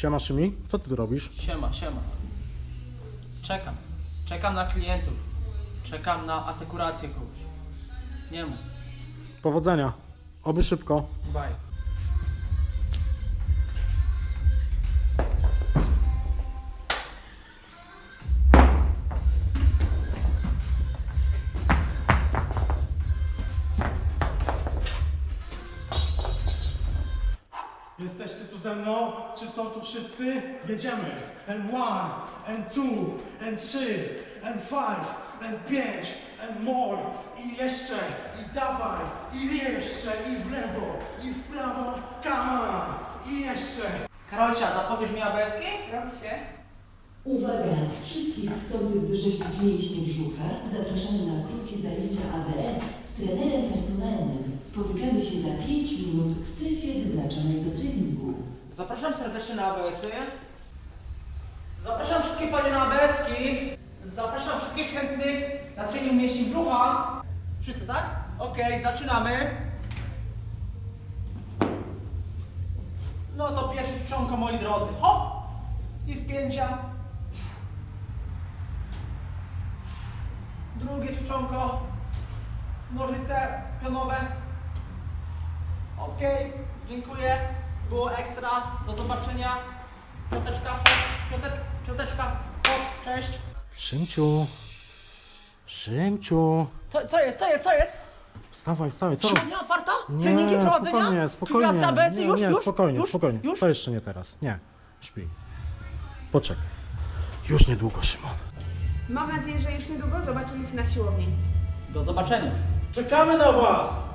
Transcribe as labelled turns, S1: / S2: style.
S1: Siema Szymi, co ty tu robisz?
S2: Siema, siema. Czekam na klientów. Czekam na asekurację kogoś. Nie ma.
S1: Powodzenia. Oby szybko.
S2: Bye.
S1: Jesteście tu ze mną? Czy są tu wszyscy? Jedziemy! N1, N2, N3, N5, N5, N more i jeszcze, i dawaj, i jeszcze, i w lewo, i w prawo, come on, i jeszcze.
S2: Karolcia, zapowiesz mi ABS-ki?
S3: Robi się.
S4: Uwaga! Wszystkich chcących wyrzeźbić mięśnie brzucha zapraszamy na krótkie zajęcia ABS z trenerem personalnym. Spotykamy się za 5 minut w strefie wyznaczonej do treningu.
S2: Zapraszam serdecznie na ABS-y. Zapraszam wszystkie panie na ABS-ki. Zapraszam wszystkich chętnych na trening mięśni brzucha. Wszyscy, tak? Okej, zaczynamy. No to pierwsze czcionko, moi drodzy. Hop! I spięcia. Drugie czcionko. Nożyce pionowe. Okej, dziękuję. Było ekstra. Do zobaczenia. Piąteczka, hop. Piąteczka, hop. Cześć.
S1: Szymciu. Szymciu.
S2: Co jest?
S1: Wstawaj, co
S2: Siłownia otwarta?
S1: Nie,
S2: Treningi prowadzenia?
S1: spokojnie.
S2: Klasy ABS-y? Już?
S1: Spokojnie.
S2: Już?
S1: To jeszcze nie teraz. Nie. Śpi. Poczekaj. Już niedługo, Szymon.
S3: Mam nadzieję, że już niedługo zobaczymy się na siłowni.
S2: Do zobaczenia.
S1: Czekamy na was!